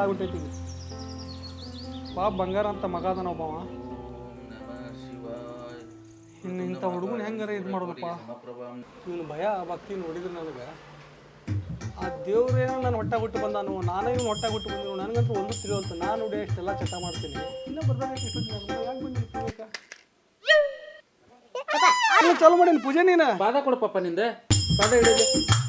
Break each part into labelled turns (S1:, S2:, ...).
S1: ಆಗ್ಬಿಟ್ಟೈತಿ ಪಾಪ ಬಂಗಾರ ಅಂತ ಮಗ ಅದಾನ ಒಬ್ಬವ. ಇನ್ನು ಇಂಥ ಹುಡುಗನ ಹೆಂಗಾರ ಇದು ಮಾಡೋದಪ್ಪ. ಇವನು ಭಯ ಭಕ್ತಿ ನೋಡಿದ್ರೆ ನನಗೆ ಆ ದೇವ್ರೇನೋ ನಾನು ಹೊಟ್ಟೆ ಬಿಟ್ಟು ಬಂದಾನು, ನಾನೇ ಇವ್ನು ಹೊಟ್ಟೆ ಬಿಟ್ಟು ಬಂದನು. ನನಗಂತೂ ಒಂದು ತಿಳಿಯುವಂತ. ನಾನು ನೋಡಿ ಅಷ್ಟೆಲ್ಲ ಚಟ ಮಾಡ್ತೀನಿ, ಇನ್ನೂ ಬರ್ಬೇಕು ಇಷ್ಟು ಯಾಕೆ ಬಂದಿರ್ತೀವಿ. ಚಲೋ ಮಾಡೀನಿ ಪೂಜೆ. ನೀನು
S2: ಬಾದ ಕೊಡು ಪಾಪ ನಿಂದ ಬಾದ ಹಿಡಿದು.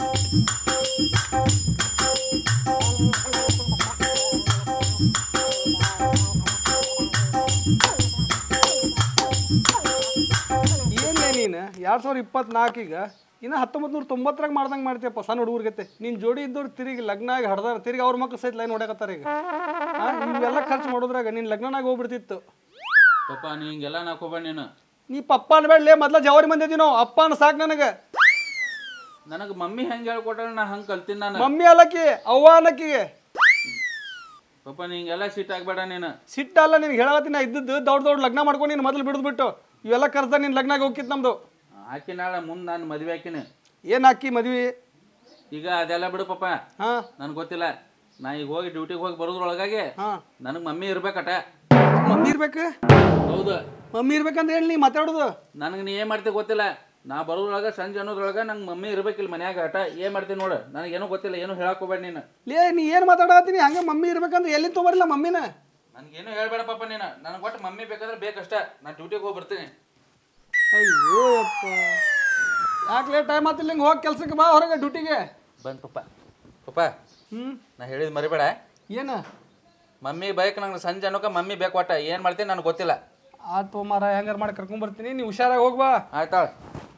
S1: ಏನೇ ನೀನು 2024 ಈಗ ಇನ್ನು 1990 ಮಾಡ್ದಂಗೆ ಮಾಡ್ತೀಯಪ್ಪ ಸಣ್ಣ ಹುಡುಗರ್ಗತ್ತೆ. ನೀನು ಜೋಡಿ ಇದ್ದವ್ರು ತಿರುಗಿ ಲಗ್ನ ಆಗಿ ಹಡ್ದಾರ, ತಿರುಗಿ ಅವ್ರ ಮಕ್ಳು ಸಹಿತ ಲೈನ್ ಹೊಡ್ಯಾಕತ್ತಾರ ಈಗ. ಇವೆಲ್ಲ ಖರ್ಚು ಮಾಡೋದ್ರಾಗ ನೀನು ಲಗ್ನಾಗ ಹೋಗ್ಬಿಡ್ತಿತ್ತು.
S2: ಪಾಪ ನೀ ಹಿಂಗೆಲ್ಲ ನಾಕೋಬೇಡ.
S1: ನೀ ಪಪ್ಪ ಅನ್ಬೇಡಲೇ, ಮೊದ್ಲ ಜವಾರಿ ಮಂದಿ ಇದೀನೋ. ಅಪ್ಪ ಅನ್ನ ಸಾಕು ನನಗೆ.
S2: ನನಗೆ ಮಮ್ಮಿ ಹೆಂಗೆ ಹೇಳ್ಕೊಟ್ಟ ನಾ ಹಂಗೆ ಕಲ್ತೀನಿ. ನಾನು
S1: ಮಮ್ಮಿ ಅಲ್ಲಕ್ಕಿ ಅವ್ವ ಅನ್ನಕ್ಕಿಗೆ.
S2: ಪಾಪ ನೀ ಹಿಂಗೆಲ್ಲ ಸಿಟ್ಟು ಆಗ್ಬೇಡ. ನೀನು
S1: ಸಿಟ್ಟಲ್ಲ, ನಿನ್ಗೆ ಹೇಳತ್ತೀನಿ. ನಾ ಇದ್ದದ್ದು ದೊಡ್ಡ ಲಗ್ನ ಮಾಡ್ಕೊಂಡು ನೀನು ಮೊದಲು ಬಿಡ್ದುಬಿಟ್ಟು ಇವೆಲ್ಲ ಖರ್ಚು ನೀನು ಲಗ್ನಾಗ ಹೋಗಿತ್ತು ನಮ್ದು.
S2: ಆಕಿ ನಾಳೆ ಮುಂದೆ ನಾನು ಮದುವೆ ಹಾಕಿನಿ.
S1: ಏನು ಹಾಕಿ ಮದ್ವಿ
S2: ಈಗ ಅದೆಲ್ಲ ಬಿಡು ಪಾಪ.
S1: ಹಾಂ
S2: ನನಗೆ ಗೊತ್ತಿಲ್ಲ. ನಾ ಈಗ ಹೋಗಿ ಡ್ಯೂಟಿಗೆ ಹೋಗಿ ಬರೋದ್ರೊಳಗಾಗಿ ನನಗೆ ಮಮ್ಮಿ ಇರ್ಬೇಕಟ.
S1: ಮಮ್ಮಿ ಇರ್ಬೇಕು?
S2: ಹೌದು,
S1: ಮಮ್ಮಿ ಇರ್ಬೇಕಂತ ಹೇಳಿ ನೀ ಮಾತಾಡೋದು.
S2: ನನಗೆ ನೀ ಏನು ಮಾಡ್ತೀವಿ ಗೊತ್ತಿಲ್ಲ. ನಾ ಬರೋದ್ರೊಳಗೆ ಸಂಜೆ ಅನ್ನೋದ್ರೊಳಗೆ ನಂಗೆ ಮಮ್ಮಿ ಇರ್ಬೇಕಿಲ್ಲ ಮನ್ಯಾಗ. ಆಟ ಏನು ಮಾಡ್ತೀನಿ ನೋಡು. ನನಗೇನೂ ಗೊತ್ತಿಲ್ಲ, ಏನು ಹೇಳಕ್ಕೋಬೇಡ ನೀನು.
S1: ಲೇ ನೀ ಏನು ಮಾತಾಡತ್ತೀನಿ ಹಂಗೆ? ಮಮ್ಮಿ ಇರ್ಬೇಕಂದ್ರೆ ಎಲ್ಲಿ ತೊಗೊಬರಿಲ್ಲ ಮಮ್ಮಿನ.
S2: ನನಗೇನು ಹೇಳ್ಬೇಡ ಪಾಪ ನೀನು. ನನಗೆ ಒಟ್ಟು ಮಮ್ಮಿ ಬೇಕಾದ್ರೆ ಬೇಕಷ್ಟ. ನಾನು ಡ್ಯೂಟಿಗೆ ಹೋಗಿ ಬರ್ತೀನಿ.
S1: ಅಯ್ಯೋ ಅಪ್ಪ, ಯಾಕೆ ಟೈಮ್ ಆತಿಲ್ಲ? ಹಿಂಗೆ ಹೋಗಿ ಕೆಲ್ಸಕ್ಕೆ ಬಾ ಹೊರಗೆ ಡ್ಯೂಟಿಗೆ.
S2: ಬಂದು ಪಾಪ. ಪಾಪ ನಾ ಹೇಳಿದ್ ಮರಿಬೇಡ.
S1: ಏನು
S2: ಮಮ್ಮಿ ಬೇಕು ನಂಗೆ ಸಂಜೆ ಅನ್ನೋಕೆ ಮಮ್ಮಿ ಬೇಕು. ಒಟ್ಟ ಏನು ಮಾಡ್ತೀನಿ ನನಗೆ ಗೊತ್ತಿಲ್ಲ.
S1: ಆತು ಮಾರ, ಹೆಂಗಾರು ಮಾಡಿ ಕರ್ಕೊಂಬರ್ತೀನಿ. ನೀವು ಹುಷಾರಾಗಿ ಹೋಗ್ಬಾ.
S2: ಆಯ್ತಾಳ.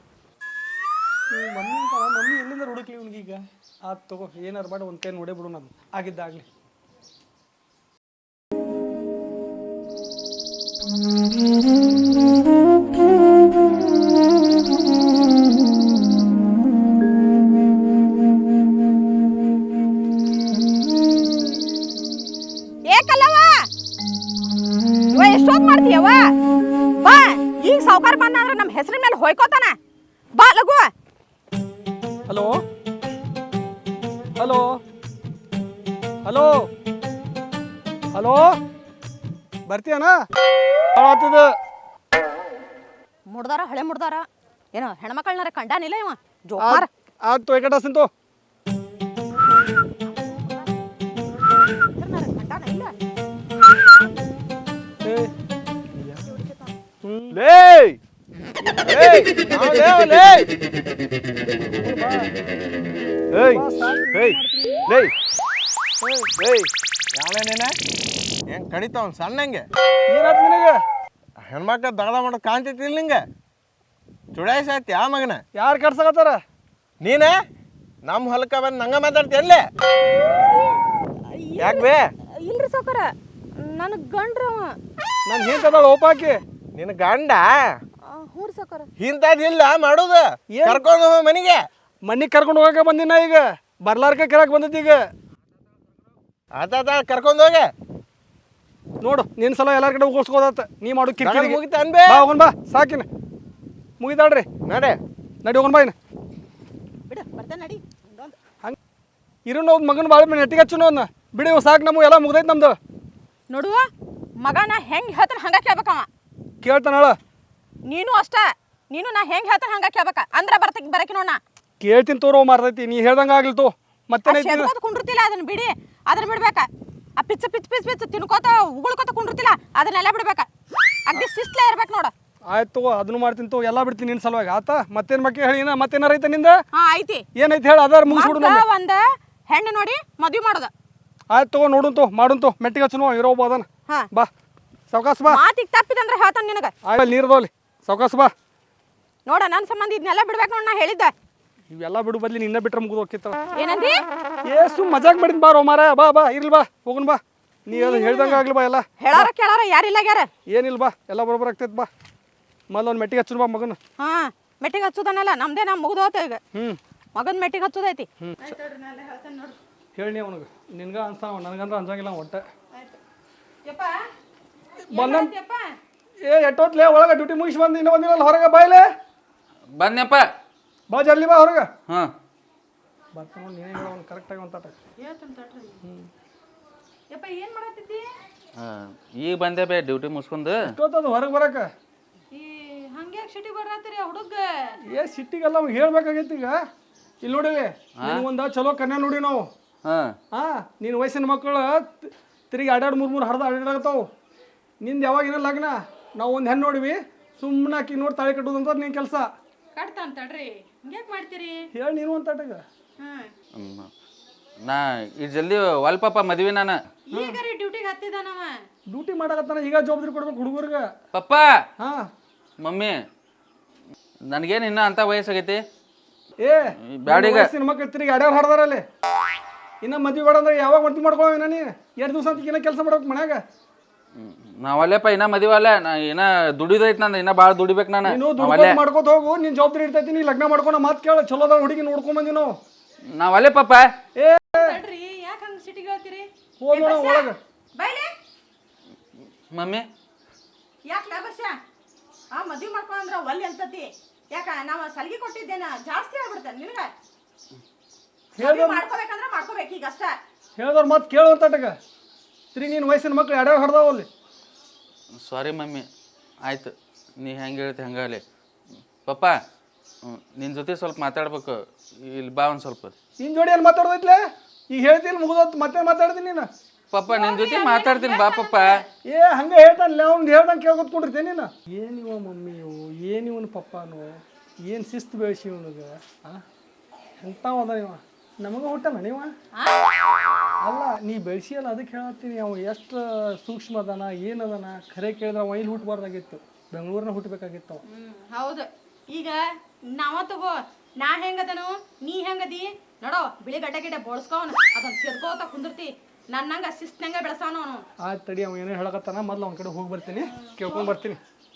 S1: ಮಮ್ಮಿ ಅಂತಾರ, ಮಮ್ಮಿ ಎಲ್ಲಿಂದ ಹುಡುಕ್ಲಿ ಇವ್ನಿಗೀಗ? ಆತು ತಗೋ, ಏನಾರು ಮಾಡಿ ಒಂದು ಕೈ ನೋಡೇ ಬಿಡು. ನಾನು ಆಗಿದ್ದಾಗಲಿ.
S3: ಎಷ್ಟೊತ್ತು ಮಾಡ್ತೀಯವ? ಬಾ, ಈಗ ಸಾವುಕಾರ ಬಂದ್ರೆ ನಮ್ಮ ಹೆಸರಿನ ಮೇಲೆ ಹೋಯ್ಕೋತಾನ. ಬಾ ಲಗು.
S1: ಹಲೋ ಹಲೋ ಹಲೋ ಹಲೋ, ಬರ್ತೀಯನ?
S3: ಮುಡ್ದಾರ, ಹಳೆ ಮುಡ್ದಾರ. ಏನೋ ಹೆಣ್ಮಕ್ಳನ್ನಾರ ಕಂಡಾನಿಲ್ಲ ಇವ ಜೋಪಾರ.
S1: ಆಯ್ತು ಏಕಟಾಸಂತು.
S4: ಹೆಂಗ್ ಕಡಿತಾವ ಸಣ್ಣಂಗೆ
S1: ಏನಾಯ್ತು ನಿನಗೆ?
S4: ಹೆಣ್ಮಕ್ಳ ದಗದ ಮಾಡೋದು ಕಾಣ್ತೈತಿ ಇಲ್ಲ ನಿಂಗೆ? ಚುಡಾಯಿಸಾಯ್ತಿ ಆ ಮಗನ.
S1: ಯಾರು ಕಡ್ಸಕತ್ತಾರ?
S4: ನೀನೇ ನಮ್ಮ ಹೊಲಕ್ಕ ಬಂದು ನಂಗೆ ಮಾತಾಡ್ತೀಯಲ್ಲೇ? ಯಾಕೆ ಬೇ?
S3: ಇಲ್ರಿ ಸಾವುಕಾರ, ನನಗೆ ಗಂಡ್ರವ.
S1: ನಾನು ಹಿಂತದ ಓಪಾಕಿ
S4: ನಿನ್ನ ಗಂಡ?
S3: ಹ್ಞೂ ಸಾವುಕಾರ.
S4: ಇಂಥದ್ದಿಲ್ಲ ಮಾಡೋದು. ಕರ್ಕೊಂಡು ಹೋಗ ಮನೆಗೆ.
S1: ಮನೆಗೆ ಕರ್ಕೊಂಡು ಹೋಗಕ್ಕೆ ಬಂದಿನ. ಈಗ ಬರ್ಲಾರ್ಕ ಕೆರಕ್ಕೆ ಬಂದೈತಿ. ಈಗ
S4: ಆತ ಕರ್ಕೊಂಡು ಹೋಗೆ
S1: ನೋಡು. ನಿನ್ನ ಸಲ ಎಲ್ಲಾರ ಕಡೆ ಹೋಗಿಸ್ಕೋದತ್ತ. ನೀ ಮಾಡು ಕಿರಿಕಿರಿ
S4: ಮುಗಿತ ಅನ್ಬೇ.
S1: ಬಾ ಹೋಗೋಣ, ಬಾ ಸಾಕಿನ ಮುಗಿತಾಳ್ರಿ.
S4: ನಡೆ
S1: ನಡಿ ಹೋಗೋಣ ಬಾ. ಇನ್ನು
S3: ಬಿಡು, ಬರ್ತೇನೆ ನಡಿ.
S1: ಹಂಗೆ ಇರೋನು ಮಗನ ಭಾಳ ನೆಟ್ಟಿಗೆ ಹಚ್ಚು ಅವನ್ನ ಬಿಡಿ. ಸಾಕು, ನಮಗೂ ಎಲ್ಲ ಮುಗ್ದೈತೆ ನಮ್ದು.
S3: ನೋಡುವ ಮಗನ ಹೆಂಗೆ ಹೇಳ್ತಾನೆ ಹಂಗೆ ಕೇಳ್ಬೇಕವ.
S1: ಕೇಳ್ತಾನಳ
S3: ನೀನು ಅಷ್ಟ. ನೀನು ನಾ ಹೆಂಗೆ ಹೇಳ್ತಾನೆ ಹಂಗೆ ಕೇಳ್ಬೇಕ. ಅಂದ್ರೆ ಬರಕಿ ನೋಡ.
S1: ಕೇಳ್ತೀನಿ ತೋರೋ ಮಾರ್ತೈತಿ. ನೀ ಹೇಳ್ದಂಗೆ ಆಗ್ಲಿತ್ತು ಮತ್ತೆ
S3: ಕುಂಡಿರ್ತಿಲ್ಲ, ಅದನ್ನ ಬಿಡಿ. ಅದನ್ನ ಬಿಡ್ಬೇಕ. ಆ ಪಿಚ್ಚ ಪಿಚ್ ಪಿಚ್ ಪಿಚ್ ತಿನ್ಕೋತ ಉಗುಳ್ಕೋತ ಕುಂಡಿರ್ತಿಲ್ಲ, ಅದನ್ನೆಲ್ಲ ಬಿಡ್ಬೇಕ. ಅಗ್ದಿ ಶಿಸ್ತ್ಲೇ ಇರ್ಬೇಕು ನೋಡು.
S1: ಆಯ್ತು, ಅದನ್ನು ಮಾಡ್ತೀನಿ ತೋ. ಎಲ್ಲ ಬಿಡ್ತೀನಿ ನಿನ್ನ ಸಲುವಾಗಿ. ಆತ ಮತ್ತೇನು ಬಗ್ಗೆ ಹೇಳಿ? ಮತ್ತೇನಾರ ಐತೆ ನಿಂದ?
S3: ಹಾ ಐತಿ.
S1: ಏನೈತಿ ಹೇಳಿ? ಅದಾರ ಮುಗಿಸ್ಬಿಡು.
S3: ಒಂದ ಹೆಣ್ಣು ನೋಡಿ ಮದ್ವಿ ಮಾಡೋದ.
S1: ಆಯ್ತು ತಗೋ, ನೋಡುಂತು ಮಾಡುಂತು. ಮೆಟ್ಟಿಗೆ ಹಚ್ಚು ಇರೋ ಅದನ್ನ. ಬಾ ಸಾವ್ಕಾಸ್ ಬಾ.
S3: ಮಾತಿಗೆ ತಪ್ಪಿದಂದ್ರೆ ಹೇಳ್ತಾನೆ ನಿನಗೆ.
S1: ಆಯ್ತು, ನೀರ್ದೋಲಿ ಸಾವ್ಕಾಸ್ ಬಾ.
S3: ನೋಡ ನನ್ನ ಸಂಬಂಧ ಇದನ್ನೆಲ್ಲ ಬಿಡ್ಬೇಕು ನೋಡ್. ನಾ ಹೇಳಿದ್ದೆ
S1: ಇವೆಲ್ಲ ಬಿಡು ಬದ್ಲಿ ನಿನ್ನ ಬಿಟ್ರೆ ಮುಗಿದು ಹೋಗಿತ್ತ.
S3: ಏನಂದಿ?
S1: ಏಸು ಮಜಾಕ್ ಮಾಡಿದ್ ಬಾರೋ ಮಾರ. ಬಾ ಬಾ, ಇರ್ಲಿ ಬಾ, ಹೋಗುನ್ ಬಾ. ನೀ ಹೇಳ್ದಂಗ ಆಗ್ಲಿ ಬಾ. ಎಲ್ಲ
S3: ಹೇಳಾರ ಕೇಳಾರ ಯಾರಿಲ್ಲ ಗ್ಯಾರ.
S1: ಏನಿಲ್ಲ ಬಾ, ಎಲ್ಲ ಬರೋಬ್ಬರ ಆಗ್ತೈತೆ. ಬಾ ಮೊದಲು ಒಂದು ಮೆಟ್ಟಿಗೆ ಹಚ್ಚು ಬಾ ಮಗನ.
S3: ಹಾ, ಮೆಟ್ಟಿಗೆ ಹಚ್ಚುದನ್ನಲ್ಲ ನಮ್ದೇ. ನಾ ಮುಗಿದು ಹೋತ ಈಗ. ಮಗನ ಮೆಟ್ಟಿಗೆ ಹಚ್ಚುದೈತಿ.
S1: ಹೇಳಿ ಅವನಿಗೆ. ನಿನ್ಗ ಅನ್ಸಾವ, ನನಗಂದ್ರೆ ಅನ್ಸಂಗಿಲ್ಲ ಒಟ್ಟೆ. ಎಟ್ಟೋತ್ಲೆ ಒಳಗೆ ಡ್ಯೂಟಿ ಮುಗಿಸಿ ಬಂದು ಇನ್ನೂ ಬಂದಿಲ್ಲ ಹೊರಗೆ. ಬಾಯ್ಲೆ
S2: ಬನ್ಯಪ್ಪ.
S1: ಬಾ ಜಲ್ದಿ ಬಾ ಹೊರಗೆ.
S2: ಹಾಂ
S1: ಬರ್ತಾನ. ನೀನೇ ಹೇಳ ಅವ್ನು ಕರೆಕ್ಟಾಗಿ ಒಂದು ತಾಟ.
S3: ಯಪ್ಪ ಏನ್ ಮಾಡತ್ತಿದ್ದಿ?
S2: ಈಗ ಬಂದೆ ಬೇ ಡ್ಯೂಟಿ ಮುಗಿಸ್ಕೊಂಡು.
S1: ಎಷ್ಟೊತ್ತದ ಹೊರಗೆ ಬರಕ?
S3: ಈ ಹಂಗೆ ಸಿಟಿ ಬರತ್ತೀರಿ ಹುಡುಗ?
S1: ಸಿಟ್ಟಿಗೆಲ್ಲ ಅವ್ನು ಹೇಳ್ಬೇಕಾಗೈತಿ ಈಗ. ಇಲ್ಲಿ ನೋಡಿಲಿ, ಒಂದು ಚಲೋ ಕನ್ಯಾ ನೋಡಿ ನಾವು. ನಿನ್ನ ವಯಸ್ಸಿನ ಮಕ್ಕಳು ತಿರುಗಿ 2-3 ಹರಿದು ಅಡ್ಡಾಡತ್ತಾವು. ನಿಂದು ಯಾವಾಗಿನ ಲಗ್ನ, ನಾವು ಒಂದು ಹೆಣ್ಣು ನೋಡಿವಿ, ಸುಮ್ಮನೆ ಆಕಿ ನೋಡಿ ತಾಳಿ ಕಟ್ಟೋದಂತ ನಿನ್ನ ಕೆಲಸ.
S3: ಕಟ್ತಾನ ತಡ್ರಿ, ಹಿಂಗ್ಯಾಕೆ ಮಾಡ್ತೀರಿ?
S1: ಹೇಳಿ ನೀನು ಅಂತ ಆಟಗ.
S2: ನಾ ಇದು ಜಲ್ದಿ ಪಾಪ ಮದ್ವಿ ನಾನು.
S3: ಈಗ ರೀ ಡ್ಯೂಟಿಗೆ ಹತ್ತಿದಾನವ.
S1: ಡ್ಯೂಟಿ ಮಾಡಕತ್ತಾನ, ಈಗ ಜವಾಬ್ದಾರಿ ಕೊಡ್ಬೇಕು ಹುಡುಗರ್ಗೆ.
S2: ಪಪ್ಪ ಮಮ್ಮಿ ನನಗೇನು ಇನ್ನೂ ಅಂತ ವಯಸ್ಸಾಗೈತಿ.
S1: ಬ್ಯಾಡಿಗ ವಯಸ್ಸಿನ ಮಕ್ಕಳು ತಿರುಗಿ ಅಡ್ಯಾರು ಹಾಡ್ದಾರಲ್ಲಿ. ಇನ್ನ ಮದ್ವೆ ಬೇಡ ಅಂದ್ರೆ ಯಾವಾಗ ಮದ್ವೆ ಮಾಡ್ಕೊಳ್ಳೋ ನೀ? 2 ದಿವಸ ಅಂತ ಇನ್ನ ಕೆಲಸ ಮಾಡ್ಬೇಕು ಮನ್ಯಾಗ.
S2: ನಾವಲ್ಲೇಪ ಇನ್ನ ಮದುವೆ ನಾ ಇನ್ನ ದುಡಿದೈತಿ ನಂದು, ಇನ್ನ ಭಾಳ ದುಡಿಬೇಕು ನಾನು.
S1: ನೀನು ಮಾಡ್ಕೋತ ಹೋಗು, ನಿನ್ ಜವಾಬ್ದಾರಿ ಇರ್ತೈತಿ. ನೀ ಲಗ್ನ ಮಾಡ್ಕೊಂಡು ಮಾತು ಕೇಳ, ಚಲೋದ ಹುಡುಗಿ ನೋಡ್ಕೊಂಡ್ ಬಂದಿ ನಾವು.
S2: ನಾವಲ್ಲೇ ಪಾಪ.
S3: ತಡ್ರಿ, ಯಾಕೆ ಹಂಗೆ ಸಿಟಿಗೆ ಹೇಳ್ತೀರಿ?
S1: ಹೋಗೋಣ ಒಳಗೆ.
S3: ಬೈಲೆ
S2: ಮಮ್ಮಿ
S3: ಯಾಕೆ ಲಾಭಸ್ಯ? ಮದ್ವೆ ಮಾಡ್ಕೊಂಡ್ರ ಒಲ್ಲಿ ಅಂತತಿ. ಯಾಕ ನಾವು ಸಲಿಗೆ ಕೊಟ್ಟಿದ್ದೇನ ಜಾಸ್ತಿ ಆಗ್ಬಿಡ್ತಾನೆ ನಿನಗ? ಮಾಡ್ಕೋಬೇಕಂದ್ರ ಮಾಡ್ಕೋಬೇಕು ಈಗ ಅಷ್ಟ.
S1: ಹೇಳ್ದವ್ರ ಮಾತು ಕೇಳುವಂತಟಗ ತಿರುಗಿ ನೀನು ವಯಸ್ಸಿನ ಮಕ್ಳು ಅಡ್ಯಾರು ಹಡ್ದಾವಲ್ಲಿ.
S2: ಸಾರಿ ಮಮ್ಮಿ, ಆಯ್ತು ನೀ ಹೆಂಗೆ ಹೇಳ್ತಿ ಹಂಗಾಲಿ. ಪಪ್ಪ ನಿನ್ನ ಜೊತೆ ಸ್ವಲ್ಪ ಮಾತಾಡ್ಬೇಕು, ಇಲ್ಲಿ ಬಾ ಒಂದು ಸ್ವಲ್ಪ.
S1: ನಿನ್ನ ಜೋಡಿ ಏನು ಮಾತಾಡ್ದೈತ್ಲೆ? ಈಗ ಹೇಳ್ತೀನಿ ಮುಗಿದೋತ್, ಮತ್ತೆ ಮಾತಾಡ್ತೀನಿ ನೀನು.
S2: ಪಪ್ಪ ನಿನ್ನ ಜೊತೆ ಮಾತಾಡ್ತೀನಿ ಬಾ ಪಪ್ಪ.
S1: ಹಂಗೆ ಹೇಳ್ತಾನಲ್ಲ, ಅವ್ನು ಹೇಳ್ದಂಗೆ ಕೇಳ್ಕೊತ್ಕೊಂಡಿರ್ತೀನಿ ನೀನು. ಏನಿವ ಮಮ್ಮಿ ಇವು, ಏನಿವನು ಪಪ್ಪನು, ಏನು ಶಿಸ್ತು ಬೆಳೆಸಿ ಇವನಿಗೆ. ಎಂಥವದ ಇವ, ನಮಗೆ ಹುಟ್ಟಲ್ಲ ನೀವ? ಅಲ್ಲ ನೀ ಬೆಳೆಸಿಯಲ್ಲ, ಅದಕ್ಕೆ ಹೇಳತ್ತೀನಿ. ಅವ ಎಷ್ಟು ಸೂಕ್ಷ್ಮ ಅದಾನ, ಏನದಾನ ಖರೆ ಕೇಳಿದ್ರೆ ಅವ ಇಲ್ಲಿ ಹುಟ್ಟಬಾರ್ದಾಗಿತ್ತು, ಬೆಂಗಳೂರಿನ ಹುಟ್ಟಬೇಕಾಗಿತ್ತು ಅವ.
S3: ಹೌದು. ಈಗ ನಾವ ತಗೋ, ನಾ ಹೆಂಗದನು ನೀ ಹೆಂಗದಿ ನೋಡೋ, ಬಿಳಿ ಗಡ್ಡೆ ಗಿಡ್ಡೆ ಬೋಳ್ಸ್ಕೋನ್ ಅದನ್ನ ಸೇರ್ಕೋತ ಕುಂದಿರ್ತಿ. ನನ್ನಂಗ ಶಿಸ್ತಂಗ ಬೆಳೆಸವನು ಅವನು.
S1: ಆಯ್ತು ತಡಿ, ಅವ ಏನೋ ಹೇಳಕತ್ತಾನ, ಮೊದ್ಲು ಅವನ ಕಡೆ ಹೋಗಿ ಬರ್ತೀನಿ, ಕೇಳ್ಕೊಂಡು ಬರ್ತೀನಿ.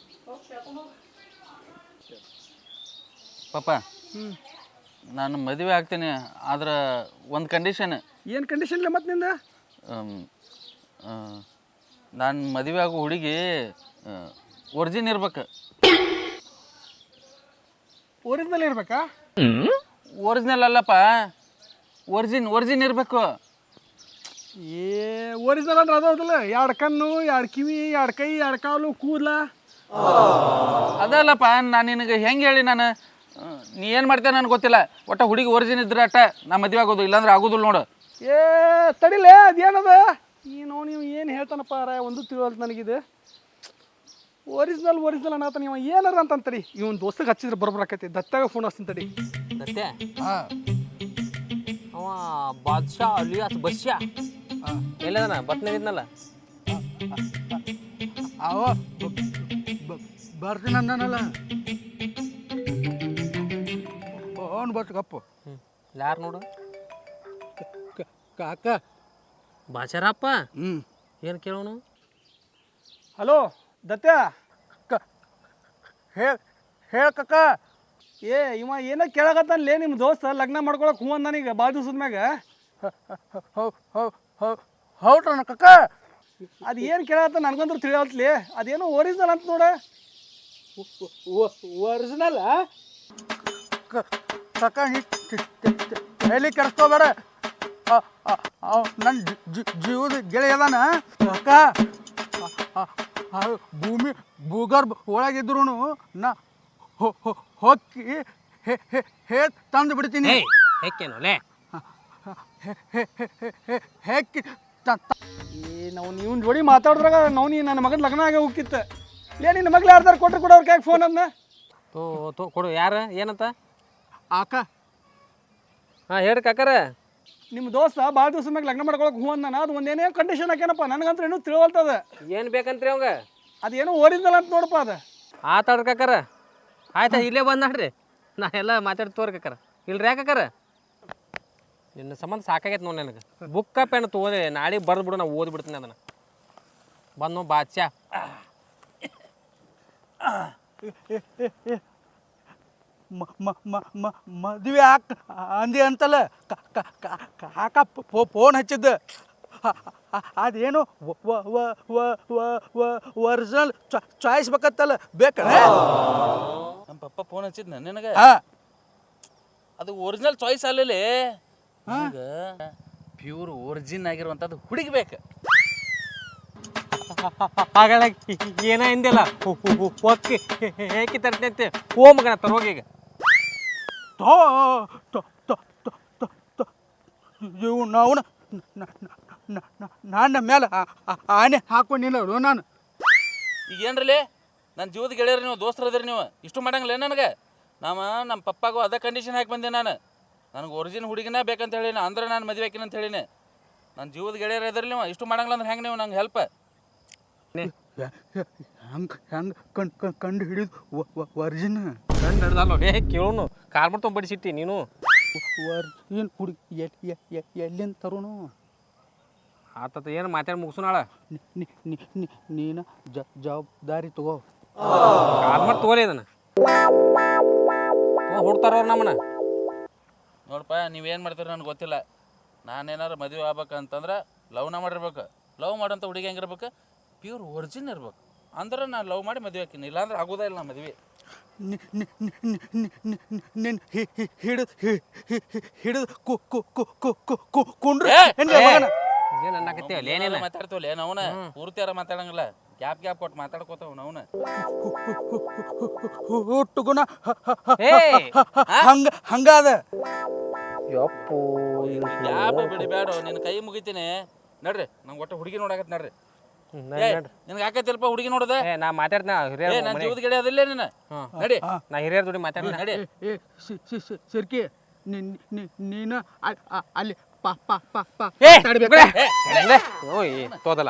S2: ಪಪ್ಪ ನಾನು ಮದುವೆ ಆಗ್ತೀನಿ, ಆದ್ರೆ ಒಂದು ಕಂಡೀಷನ್.
S1: ಏನು ಕಂಡೀಷನ್ ಇಲ್ಲ ಮತ್ತೆ ನಿಂದ?
S2: ನಾನು ಮದುವೆ ಆಗೋ ಹುಡುಗಿ ಒರಿಜಿನ್ ಇರ್ಬೇಕು.
S1: ಒರಿಜಿನಲ್ ಇರ್ಬೇಕಾ?
S2: ಒರಿಜಿನಲ್ ಅಲ್ಲಪ್ಪ, ಒರಿಜಿನ್ ಇರಬೇಕು.
S1: ಒರಿಜಿನಲ್ ಅಂದ್ರೆ ಅದಾವಲ್ಲ, 2 ಕಣ್ಣು, 2 ಕಿವಿ, 2 ಕೈ, 2 ಕಾಲು, ಕೂದಲ.
S2: ಅದಲ್ಲಪ್ಪ, ನಾನು ನಿನಗೆ ಹೆಂಗೆ ಹೇಳಿ, ನಾನು ನೀ ಏನು ಮಾಡ್ತೇನೆ ನನಗೆ ಗೊತ್ತಿಲ್ಲ. ಒಟ್ಟ ಹುಡುಗಿ ಒರಿಜಿನ್ ಇದ್ರೆ ಅಟ್ಟ ನಾ ಮದುವೆ ಆಗೋದು, ಇಲ್ಲಾಂದ್ರೆ ಆಗೋದಿಲ್ಲ ನೋಡು.
S1: ತಡಿಲೇ, ಅದೇನದ ನೀವು ಏನು ಹೇಳ್ತಾನಪ್ಪ ರಾಯ, ಒಂದು ತಿಳಿವಲ್ತು ನನಗಿದು. ಒರಿಜಿನಲ್ ಅನ್ನತ್ತ ನೀವು ಏನಾರ ಅಂತಂತಡಿ. ಇವನ್ ದೋಸ್ತಗೆ ಹಚ್ಚಿದ್ರೆ ಬರೋಬರಾಕೈತಿ. ದತ್ತಾಗ ಫೋನ್ ಹಚ್ತೀನಿ ತಡಿ.
S5: ದತ್ತೆ ಅವ ಬಾದ್ಶಾ ಅಲಿಯಾಸ್ ಬಸ್ಯಾ ಎಲ್ಲದನ ಬತ್ನಾಗಿದ್ನಲ್ಲ
S1: ಅವ ಬರ್ತೀನಿ ಅಂದನಲ್ಲ. ಅವನು ಬಸ್ ಕಪ್ಪು.
S5: ಯಾರು ನೋಡು
S1: ಕಾಕ
S5: ಬಾಚಾರಪ್ಪ. ಏನು ಕೇಳೋನು?
S1: ಹಲೋ ದತ್ಯ, ಹೇಳ ಕಕ್ಕ. ಇವ ಏನೋ ಕೇಳಕತ್ತಲ್ಲೇ ನಿಮ್ಮ ದೋಸ್ತ ಲಗ್ನ ಮಾಡ್ಕೊಳಕ್ ಹೂ ಅಂದಾನೀಗ ಭಾಳ ದಿವ್ಸದ ಮ್ಯಾಗ. ಹೌದ್ರಣ ಕಕ್ಕ? ಅದು ಏನು ಕೇಳತ್ತ ನನಗಂದ್ರೂ ತಿಳಿಯತ್ಲಿ. ಅದೇನೋ ಒರಿಜಿನಲ್ ಅಂತ ನೋಡ. ಒರಿಜಿನಲ್ ಕಕ್ಕ, ಹೇಳಿ ಕೆಡಿಸ್ಕೋಬೇಡ. ನನ್ನ ಜೀವದ ಗೆಳೆಯ ಅದಾನ ಕಕ್ಕ. ಭೂಮಿ ಭೂಗರ್ಭ ಒಳಗಿದ್ರು ನಾ ಹೊಕ್ಕಿ ತಂದು ಬಿಡ್ತೀನಿ.
S5: ಹೆಕ್ಕೇನೋಲೆ
S1: ಹೆಕ್ಕಿ ನಾವು ನೀವು ಜೋಡಿ ಮಾತಾಡಿದ್ರಾಗ ನಾವು ನೀ ನನ್ನ ಮಗನ ಲಗ್ನ ಆಗ ಹೋಗಿತ್ತು. ನಿನ್ನ ಮಗ್ಳು ಯಾರ್ದಾರು ಕೊಟ್ರೆ ಕೊಡು ಅವ್ರ ಕೈಗೆ ಫೋನ್ ಅದನ್ನ.
S5: ತೋ ಕೊಡು. ಯಾರು ಏನಂತ?
S1: ಆಕ.
S5: ಹಾಂ ಹೇಳ್ರಿ ಕಾಕರ.
S1: ನಿಮ್ಮ ದೋಸ್ತ ಭಾಳ ದಿವಸ ಮ್ಯಾಗ ಲಗ್ನ ಮಾಡ್ಕೊಳಕ್ಕೆ ಹೂ ಅಂದಾನ. ಅದು ಒಂದೇನೇ ಕಂಡೀಷನ್ ಹಾಕ್ಯಾನಪ್ಪ, ನನಗಂತೂ ಏನೂ ತಿಳುವಲ್ತದ.
S5: ಏನು ಬೇಕಂತ್ರಿ ಅವಂಗ?
S1: ಅದೇನೋ ಒರಿಜಿನಲ್ ಅಂತ ನೋಡಪ್ಪ ಅದು.
S5: ಆತಾಡ್ರಿ ಕಾಕರ. ಆಯ್ತಾ, ಇಲ್ಲೇ ಬಂದು ನೋಡ್ರಿ, ನಾ ಎಲ್ಲ ಮಾತಾಡಿ ತೋರಿ ಕಾಕರ. ಇಲ್ರಿ ಯಾಕರ ನಿನ್ನ ಸಂಬಂಧ ಸಾಕಾಗೈತೆ ನೋಡಿ ನನಗೆ. ಬುಕ್ಕ ಪೆನ್ ತೊಗೋದೆ, ನಾಳೆ ಬರ್ದು ಬಿಡು, ನಾ ಓದ್ಬಿಡ್ತೀನಿ ಅದನ್ನು. ಬಂದು ಬಾದ್ಶಾ
S1: ಮದುವೆ ಅಂದಿ ಅಂತಲ್ಲ ಕಾಕ ಫೋನ್ ಹಚ್ಚಿದ್ದ. ಅದೇನು ಒರಿಜಿನಲ್ ಚಾಯ್ಸ್ ಬೇಕತ್ತಲ್ಲ, ಬೇಕಲ್ಲ?
S2: ನಮ್ಮ ಪಪ್ಪ ಫೋನ್ ಹಚ್ಚಿದ್ನ ನಿನಗೆ? ಅದು ಒರಿಜಿನಲ್ ಚಾಯ್ಸ್ ಅಲ್ಲೇ, ಪ್ಯೂರ್ ಒರಿಜಿನ್ ಆಗಿರುವಂಥದ್ದು ಹುಡುಗಿ ಬೇಕು.
S5: ಹಾಗಳ ಏನ ಹಿಂದಿಲ್ಲ ಒಕ್ಕಿ ಹೇಗೆ ತರ್ತೈತೆ ಹೋ ಮಗನ ತರೋಗೀಗ
S6: ಇವು ನಾವು ನನ್ನ ಮೇಲೆ ಆನೆ ಹಾಕೊಂಡಿಲ್ಲ ನಾನು.
S2: ಈಗ ಏನ್ರಲ್ಲಿ ನನ್ನ ಜೀವದ ಗೆಳೆಯರು ನೀವು ದೋಸ್ತರು ಅದ್ರಿ ನೀವು ಇಷ್ಟು ಮಾಡಂಗಿಲ್ಲ ನನಗೆ ನಮ್ಮ ಪಪ್ಪಾಗೂ ಅದೇ ಕಂಡೀಷನ್ ಹಾಕಿ ಬಂದೆ ನಾನು ನನಗೆ ಒರಿಜಿನ್ ಹುಡುಗಿನ ಬೇಕಂತ ಹೇಳಿನ ಅಂದ್ರೆ ನಾನು ಮದುವೆ ಹಾಕಿನ ಅಂತ ಹೇಳಿನಿ ನನ್ನ ಜೀವದ ಗೆಳೆಯರು ಇದ್ರಿ ನೀವು ಇಷ್ಟು ಮಾಡಂಗಿಲ್ಲ ಅಂದ್ರೆ ಹೆಂಗೆ ನೀವು ನಂಗೆ ಹೆಲ್ಪ್
S6: ಹೆಂಗೆ ಕಂಡು ಹಿಡಿದು ವರ್ಜಿನ್
S5: ಕಂಡು ಹಿಡ್ದಲ್ಲ ಏ ಕೇಳೋನು ಕಾರ್ ಮಾಡ್ಕೊಂಡು ಬಡಿಸಿಟ್ಟಿ ನೀನು
S6: ವರ್ಜಿನ್ ಹುಡುಗಿ ಎಲ್ಲಿಂದ ತರೋನು
S5: ಆತತ ಏನು ಮಾತಾಡಿ ಮುಗಿಸೋನಾಳ
S6: ನೀನು ಜವಾಬ್ದಾರಿ ತಗೋ.
S5: ಕಾರ್ ಮಾಡಿ ತಗೋಲಿ ಅದನ್ನು ಹುಡ್ತಾರ ಅವ್ರು ನಮ್ಮನ್ನ
S2: ನೋಡಪ್ಪ ನೀವೇನು ಮಾಡ್ತೀರಿ ನನಗೆ ಗೊತ್ತಿಲ್ಲ ನಾನೇನಾರು ಮದುವೆ ಆಗ್ಬೇಕಂತಂದ್ರೆ ಲವ್ನ ಮಾಡಿರ್ಬೇಕು ಲವ್ ಮಾಡೋಂಥ ಹುಡುಗಿ ಹೆಂಗಿರ್ಬೇಕು ಪ್ಯೂರ್ ಒರಿಜಿನ್ ಇರ್ಬೇಕು ಅಂದ್ರೆ ನಾನು ಲವ್ ಮಾಡಿ ಮದುವೆ ಹಾಕಿನಿ ಇಲ್ಲಾಂದ್ರೆ ಆಗೋದೇ ಇಲ್ಲ ಮದುವೆ
S6: ನಿನ್ನ ಹಿಡಿದು ಕುಂಡ್ರೆ
S5: ಏನು ಅನ್ನಕತ್ತೀವಲ್ಲ ಏನೇನು
S2: ಮಾತಾಡ್ತೀವಲ್ಲ ಅವನ ಪೂರ್ತಿಯಾರ ಮಾತಾಡಂಗಿಲ್ಲ ಗ್ಯಾಪ್ ಕೊಟ್ಟು ಮಾತಾಡ್ಕೋತಾವ ಅವನ
S6: ಹುಟ್ಟುಗುಣ
S5: ಏ
S6: ಹಂಗಾದ
S5: ಯಪ್ಪು
S2: ಗ್ಯಾಪ್ ಬಿಡಬೇಡ ನಿನ್ನ ಕೈ ಮುಗಿತೀನಿ ನಡ್ರಿ ನಂಗೆ ಒಟ್ಟು ಹುಡುಗಿ ನೋಡಕತ್ ನಡ್ರಿ ನಿನ್ಗೆ ಆಕೈತಿಲ್ಪ ಹುಡುಗಿ ನೋಡದೆ
S5: ಏ ನಾ ಮಾತಾಡ್ನ ಹಿರಿಯರ್
S2: ನನ್ನ ಜೀವದ ಗೆಳೆ ಅದಿಲ್ಲ ನೀನು ನಡಿ
S5: ನಾ ಹಿರಿಯರ್ ಜೋಡಿ ಮಾತಾಡ್ತೀನಿ
S2: ನಡಿ
S6: ಸರ್ಕಿ ನೀನು ಅಲ್ಲಿ
S5: ಓಯ್ ತೋದಲ್ಲ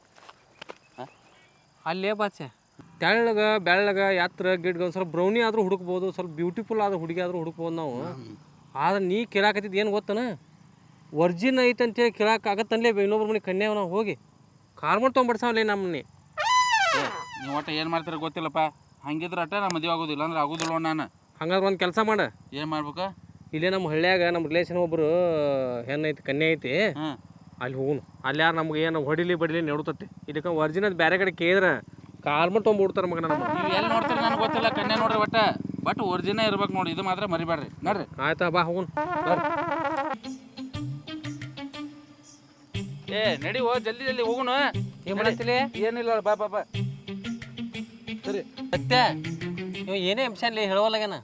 S5: ಅಲ್ಲೇ ಬಾಚೆ ತೆಳ್ಳಗ ಬೆಳ್ಳಗ ಎತ್ತರ ಗಿಡ್ಗ ಒಂದು ಸ್ವಲ್ಪ ಬ್ರೌನಿ ಆದ್ರೂ ಹುಡುಕ್ಬೋದು ಸ್ವಲ್ಪ ಬ್ಯೂಟಿಫುಲ್ ಆದ ಹುಡುಗಿ ಆದ್ರೂ ಹುಡುಕ್ಬೋದು ನಾವು ಆದ್ರೆ ನೀ ಕೇಳಾಕತ್ತಿದ್ದು ಏನು ಗೊತ್ತನ ವರ್ಜಿನ್ ಐತೆ ಅಂತೇಳಿ ಕೇಳಾಕಾಗತ್ತನ್ಲೇ ಇನ್ನೊಬ್ರ ಮನೆ ಕನ್ಯಾವ ನಾವು ಹೋಗಿ ಕಾರ್ ಮಾಡಿ ತೊಗೊಂಡ್ಬಿಡ್ಸಾವಲ್ಲೇ ನಮ್ಮನೆ
S2: ನೀವು ಒಟ್ಟು ಏನು ಮಾಡ್ತೀರ ಗೊತ್ತಿಲ್ಲಪ್ಪ ಹಂಗಿದ್ರೆ ಅಟ್ಟ ನಾ ಮದುವೆ ಆಗೋದಿಲ್ಲ ಅಂದ್ರೆ ಆಗೋದಿಲ್ಲ ನಾನು
S5: ಹಂಗಾದ್ರೆ ಒಂದು ಕೆಲಸ ಮಾಡ
S2: ಏನು ಮಾಡ್ಬೇಕು
S5: ಇಲ್ಲೇ ನಮ್ಮ ಹಳ್ಳಿಯಾಗ ನಮ್ಮ ರಿಲೇಷನ್ ಒಬ್ಬರು ಹೆಣ್ಣೈತಿ ಕನ್ಯೆ ಐತಿ ಅಲ್ಲಿ ಹೋಗುನು ಅಲ್ಲಿ ಯಾರು ನಮ್ಗೆ ಏನು ಹೊಡಿಲಿ ಬಡಿಲಿ ನೆಡುತ್ತತ್ತೆ ಇದಕ್ಕೆ ವರ್ಜಿನ್ ಅದು ಬೇರೆ ಕಡೆ ಕೇಳಿದ್ರೆ ಕಾರ್ ಮಾಡಿ ತೊಗೊಂಡ್ಬಿಡ್ತಾರೆ ಮಗ ನಮ್ಮ
S2: ನೀವು ಎಲ್ಲಿ ನೋಡ್ತೀರಿ ನನಗೆ ಗೊತ್ತಿಲ್ಲ ಕನ್ಯಾ ನೋಡ್ರಿ ಒಟ್ಟ ಬಟ್ ಒರಿಜಿನ ಇರ್ಬೇಕು ನೋಡಿ ಇದು ಮಾತ್ರ ಮರಿಬೇಡ್ರಿ ನೋಡ್ರಿ
S5: ಆಯ್ತಾ ಬಾ ಹೋಗುನು
S2: ಏ ನಡಿ ಹೋ ಜಲ್ದಿ ಜಲ್ದಿ ಹೋಗುನು
S5: ಏನು ಮಾಡತ್ತಿಲ್ಲ
S2: ಏನಿಲ್ಲ ಬಾ ಬಾ ಬಾ
S6: ಸರಿ
S5: ಸತ್ಯ ನೀವು ಏನೇ ಅಂಶಲ್ಲಿ ಹೇಳವಲ್ಲಾಗೇನ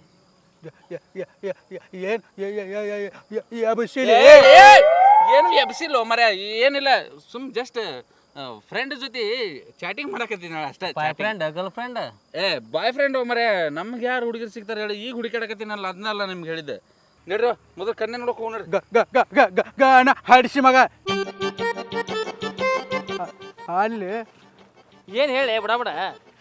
S2: ಏನು ಎಬ್ಸಿಲ್ಲ ಮರ ಏನಿಲ್ಲ ಸುಮ್ ಜಸ್ಟ್ ಫ್ರೆಂಡ್ ಜೊತೆ ಚಾಟಿಂಗ್ ಮಾಡಕತ್ತೀನಿ ಅಷ್ಟೇ
S5: ಫ್ರೆಂಡ್ ಗರ್ಲ್ ಫ್ರೆಂಡ್
S2: ಏ ಬಾಯ್ ಫ್ರೆಂಡ್ ಮರೆ ನಮ್ಗೆ ಯಾರು ಹುಡುಗರು ಸಿಗ್ತಾರೆ ಹೇಳಿ ಈಗ ಹುಡುಕಾಡಕತ್ತೀನಲ್ಲ ಅದನ್ನಲ್ಲ ನಿಮ್ಗೆ ಹೇಳಿದ್ದೆ ನಡ್ರಿ ಮೊದಲು ಕನ್ನೆ ನೋಡಕ್ ಹೋಗಿ ನೋಡ್ರಿ
S6: ಗಾನ ಹಾಡಿಸಿ ಮಗ ಅಲ್ಲಿ
S5: ಏನು ಹೇಳಿ ಬಡ ಬಡ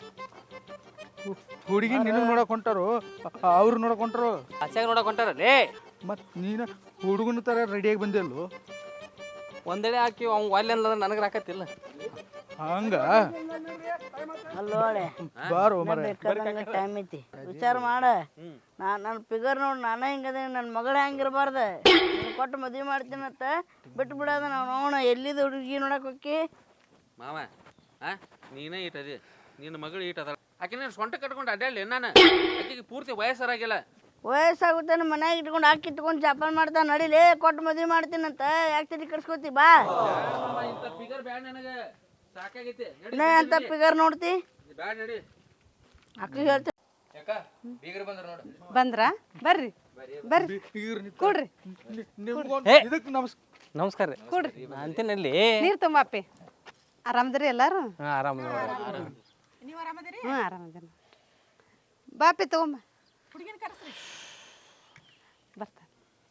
S6: ಹುಡುಗಿ ನಿನಗೆ ನೋಡಕ್ ಹೊಂಟಾರು ಅವ್ರು ನೋಡಕ್ ಹೊಂಟಾರು
S5: ಆಚೆಗೆ ನೋಡಕ್ ಹೊಂಟಾರಲ್ಲೇ
S6: ಮತ್ತು ನೀನು ಹುಡುಗನ ಥರ ರೆಡಿಯಾಗಿ ಬಂದಿಲ್ಲೋ
S5: ಒಂದೆಡೆ ಹಾಕಿ ಅವ್ನು ಒಲ್ಲೆ ಅಂದ್ರೆ ನನಗೆ ರಾಕತ್ತಿಲ್ಲ
S6: ಹಂಗ
S7: ಅಲ್ಲೋಳೆ
S6: ಬಾರೋ ಮರ
S7: ಬೇಕಾದಂಗ ಟೈಮ್ ಐತಿ ವಿಚಾರ ಮಾಡ ನನ್ನ ಫಿಗರ್ ನೋಡಿ ನಾನು ಹಿಂಗದೇನಿ ನನ್ನ ಮಗಳು ಹೆಂಗಿರಬಾರ್ದು ಕೊಟ್ಟು ಮದುವೆ ಮಾಡ್ತೀನಂತ ಬಿಟ್ಟು ಬಿಡೋದ ನಾವು ನೋಡೋಣ ಎಲ್ಲಿದ ಹುಡುಗಿ ನೋಡಕ್ ಹೋಗಿ
S2: ಮಾವ ನೀನೇ ಇಟ್ಟದಿ ನಿನ್ನ ಮಗಳು ಈಟ್ ಅದ ಆಕೆ ನೀನು ಸೊಂಟ ಕಟ್ಕೊಂಡು ಅಡ್ಡಾಡ್ಲಿ ನಾನು ಆಕೆಗೆ ಪೂರ್ತಿ ವಯಸ್ಸರಾಗಿಲ್ಲ
S7: ವಯಸ್ಸಾಗುತ್ತೆ ನಮ್ಮ ಮನ್ಯಾಗ ಇಟ್ಕೊಂಡು ಹಾಕಿ ಇಟ್ಕೊಂಡು ಜಾಪಾನ್ ಮಾಡ್ತಾ ನಡಿಲೇ ಕೊಟ್ಟು ಮದುವೆ ಮಾಡ್ತೀನಂತ ಯಾಕೆ ತಲೆ ಕೆಡ್ಸ್ಕೊತಿ ಬಾ
S2: ಇಂಥ ಫಿಗರ್ ಬ್ಯಾಡ ನನಗೆ ಸಾಕಾಗೈತಿ
S7: ಇನ್ನ ಎಂತ ಫಿಗರ್ ನೋಡ್ತಿ
S2: ಬ್ಯಾಡ ನಡಿ
S7: ಅಕ್ಕ ಹೇಳ್ತಿ
S2: ಯಾಕ ಬೀಗರು ಬಂದ್ರ ನೋಡು
S3: ಬಂದ್ರ ಬರ್ರಿ ಬರ್ರಿ ಕೊಡ್ರಿ
S6: ಇದಕ್ಕೆ
S5: ನಮಸ್ಕಾರ ರೀ
S3: ಕೊಡ್ರಿ
S5: ಅಂತೀನಲ್ಲಿ
S3: ನೀರು ತುಂಬಾಪಿ ಆರಾಮದ್ರಿ ಎಲ್ಲಾರು
S5: ಹಾಂ ಆರಾಮ
S3: ಹ್ಞೂ ಆರಾಮದಿನ ಬಾಪಿ ತಗೊಂಬ ಹುಡುಗಿನ ಕರೆಸ್ರಿ ಬರ್ತಾನೆ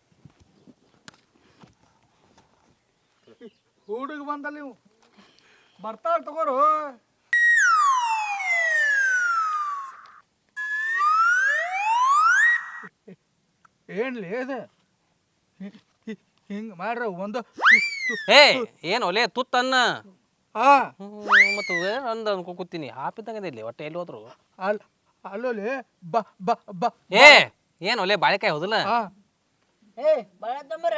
S6: ಹುಡುಗ ಬಂದಲ್ಲ ನೀವು ಬರ್ತಾಳ ತಗೋರು ಏನ್ಲಿ ಇದು ಹಿಂಗೆ ಮಾಡ್ರ ಒಂದು
S5: ಏ ಏನು ಒಲೆ ತುತ್ತನ್ನ
S6: ಆ
S5: ಮತ್ತು ಅಂದ ಅನ್ಕೋತೀನಿ ಹಾಪಿದ್ದಂಗೆ ಇಲ್ಲಿ ಒಟ್ಟೆ ಎಲ್ಲಿ ಹೋದ್ರು
S6: ಅಲ್ಲೋಲಿ ಬಾ ಬಾ ಬಾ
S5: ಏ ಏನು ಒಲೆ ಬಾಳೆಕಾಯಿ ಹೋದಲ್ಲ
S6: ಆ
S7: ಏ ಬಾಳ ತಂಬರ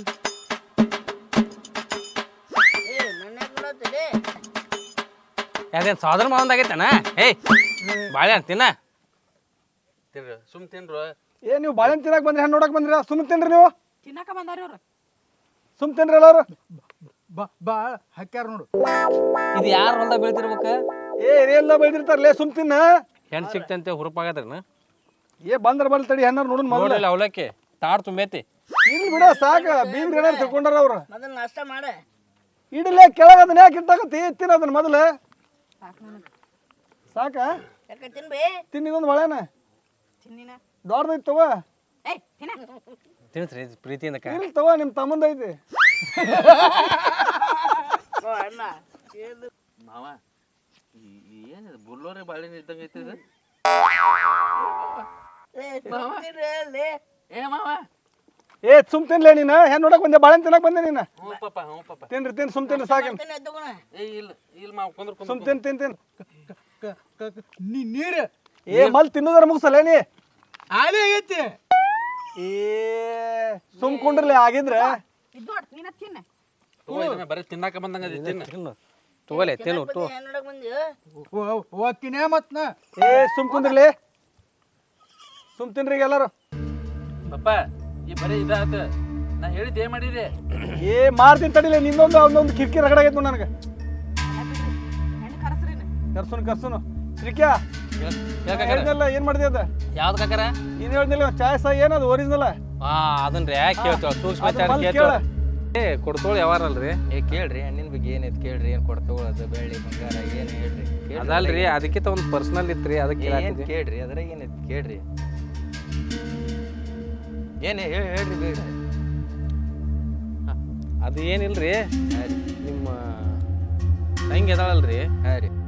S7: ಏ ನನ್ನ ನೋಡತ್ತಿಲೆ
S5: ಯಾವ್ದೇನು ಸೋದರ ಮಾವಂದಾಗೈತನ ಏಯ್ ಬಾಳೆಹಣ್ಣು ತಿನ್ನ
S2: ತಿನ್ರಿ ಸುಮ್ ತಿನ್ರು
S6: ಏ ನೀವು ಬಾಳೆಹಣ್ಣು ತಿನ್ನಕ್ಕೆ ಬಂದ್ರಿ ಹಣ್ಣು ನೋಡಕ್ಕೆ ಬಂದ್ರಿ ಸುಮ್ ತಿನ್ರಿ ನೀವು
S3: ತಿನ್ನಕ ಬಂದಾರ ಇವ್ರು
S6: ಸುಮ್ ತಿನ್ರಿ ಎಲ್ಲಾರು ಬಾ ಹಾಕ್ಯಾರ ನೋಡು
S5: ಇದು ಯಾರು ಹೊಲ್ದಾಗ ಬೆಳಿತಿರ್ಬೇಕು
S6: ಏ ಎಲ್ಲ ಬೆಳೆದಿರ್ತಾರಲ್ಲೇ ಸುಮ್ ತಿನ್ನ
S5: ಹೆಣ್ಣು ಸಿಕ್ತಂತೆ ಹುರುಪಾಗದ್ರನ
S6: ಏ ಬಂದ್ರ ಬಲ್ ತಡಿ ಹೆಣ್ಣಾರು ನೋಡೋಣ ಮೊದಲು
S5: ನೋಡಿಲ್ಲ ಅವಲಕ್ಕಿ ತಾಡ್ ತುಂಬೈತಿ
S6: ಇಲ್ಲಿ ಬಿಡ ಸಾಕ ಬೀಗ್ರಿ ಏನಾರು ತಿಳ್ಕೊಂಡಾರ ಅವ್ರು
S7: ಮೊದಲು ನಾಷ್ಟ ಮಾಡ
S6: ಇಡಲೇ ಕೆಳಗೆ ಅದನ್ನ ಯಾಕೆ ಇಟ್ಟಾಕತ್ತಿ ತಿನ್ನ ಅದನ್ನ ಮೊದಲು ಸಾಕ
S7: ಯಾಕೆ ತಿನ್ಬಿ
S6: ತಿನ್ನಿದೊಂದು ಬಾಳೆನ
S3: ತಿನ್ನಿನ
S6: ದೊಡ್ಡದೈತಿ ತಗೋ
S3: ಏಯ್ ತಿನ್ನ
S5: ತಿನ್ಸ್ರಿ ಪ್ರೀತಿಯಿಂದ
S6: ಇಲ್ಲಿ ತಗೋ ನಿಮ್ಮ ತಮ್ಮಂದೈತಿ
S7: ಅಣ್ಣ
S2: ಮಾವ ಏನಿದೆ ಬುಲ್ಲೋರಿ ಬಾಳೆಹಣ್ಣು ಇದ್ದಂಗೆ ಐತಿ ಇದು ಏ ಮಾವ
S6: ಏ ಸುಮ್ ತಿನ್ಲೇ ನೀನು ಹೆಣ್ಣು ನೋಡಕ್ ಬಂದೆ ಬಾಳೆಹಣ್ಣು ತಿನ್ನಕ್ ಬಂದೆ ನೀನು
S2: ಹ್ಞೂ ಪಾಪ
S6: ತಿನ್ರಿ ತಿನ್ ಸುಮ್ ತಿನ್ರಿ ಸಾಕ
S2: ಏ ಇಲ್ಲ ಮಾವ ಕುಂದ್ರ
S6: ಸುಮ್ ತಿನ್ ನೀರು ಏ ಮಲ್ ತಿನ್ನೋದ್ರ ಮುಗಿಸಲ್ಲ ನೀ ಆಲೇ ಆಗೈತಿ ಏ ಸುಮ್ ಕುಂಡ್ರಲಿ ಆಗಿದ್ರೆ
S3: ಇದು ನೋಡ್ ನೀನ ತಿನ್ನ
S2: ತಗೋ ಇದನ್ನ ಬರೀ ತಿನ್ನಾಕ ಬಂದಂಗ ಅದಿ ತಿನ್ನ
S5: ತಿನ್ನು ತಗೋಲೆ ತಿನ್ನು ತೋ
S7: ನೋಡಕ್ ಬಂದಿ
S6: ಓದ್ತೀನಿ ಮತ್ ಏ ಸುಮ್ ಕುಂದ್ರಲಿ ಸುಮ್ ತಿನ್ರಿ ಈಗ ಎಲ್ಲಾರು
S2: ಪಪ್ಪ ಈ ಬರೀ ಇದಾತ ನಾ ಹೇಳಿದ್ದು ಏನ್ ಮಾಡಿದೆ
S6: ಏ ಮಾರ್ತೀನಿ ತಡಿಲೆ ನಿಂದೊಂದು ಅವನೊಂದು ಕಿರಿಕಿ ರಗಡ ಆಗೈತೆ ನನಗೆ
S3: ಹೆಣ್ಣು ಕರ್ಸ್ರಿ
S6: ಕರ್ಸುನು ಶ್ರೀಕ್ಯಾ ಹೇಳಿದ್ನಲ್ಲ ಏನ್ ಮಾಡಿದೆ ಅದ
S5: ಯಾವ್ದು ಕಾಕರ
S6: ನೀನ್ ಹೇಳ್ದಿಲ್ಲ ಚಾಯ್ ಸಾ ಏನದು ಒರಿಜಿನಲ್
S5: ಹಾ ಅದನ್ರಿ ಯಾಕೆ ಕೇಳ್ತೇವ ಸೂಕ್ಷ್ಮ
S6: ಅದನ್ನ ಮೊದ್ಲು
S5: ಕೇಳ್ತೇವ
S6: ಕೇಳ.
S5: ಏ ಕೊಡ್ತೋಳು ಯಾವಾರಲ್ರಿ
S8: ಏ ಕೇಳ್ರಿ ಹಣ್ಣಿನ ಬಗ್ಗೆ ಏನೈತಿ ಕೇಳ್ರಿ ಏನು ಕೊಡ್ತಗೊಳೋದು ಬೆಳ್ಳಿ ಬಂಗಾರ ಏನು ಹೇಳ್ರಿ
S5: ಅದಲ್ರಿ ಅದಕ್ಕಿಂತ ಒಂದು ಪರ್ಸನಲ್ ಇತ್ರಿ ಅದಕ್ಕೆ
S8: ಏನು ಕೇಳ್ರಿ ಅದ್ರಾಗ ಏನೈತಿ ಕೇಳ್ರಿ ಏನು ಹೇಳ್ರಿ ಬೇಡ
S5: ಅದು ಏನಿಲ್ರಿ ನಿಮ್ಮ ತಂಗಿ ಅದಾಳಲ್ರಿ
S8: ಹಾಂ ರೀ